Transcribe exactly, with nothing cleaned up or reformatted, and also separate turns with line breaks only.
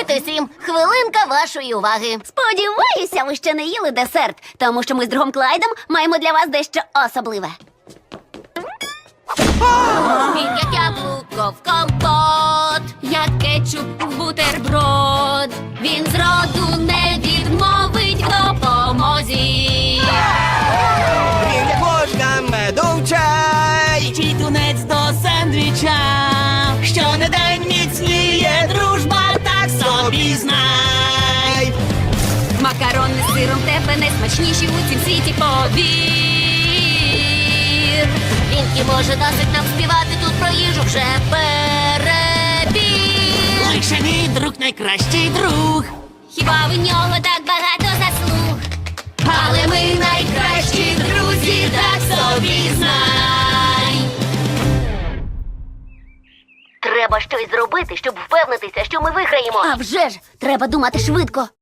Привіт усім! Хвилинка вашої уваги.
Сподіваюся, ви ще не їли десерт, тому що ми з другом Клайдом маємо для вас дещо особливе.
Він як яблуко в компот, як кетчуп в бутерброд. Він зроду не відмовить в допомозі.
Він як ложка меду в чай.
Чи тунець до сендвіча. Щонедень міцніє дружба, так собі знай.
Макарони з сиром тебе найсмачніші у цім світі, повір.
Він і може досить нам співати тут про їжу вже перебір.
Лише мій друг найкращий друг.
Хіба в нього так багато заслуг? Але ми найкращі друзі, так собі знай. Треба щось зробити, щоб впевнитися, що ми виграємо.
А вже ж, треба думати швидко.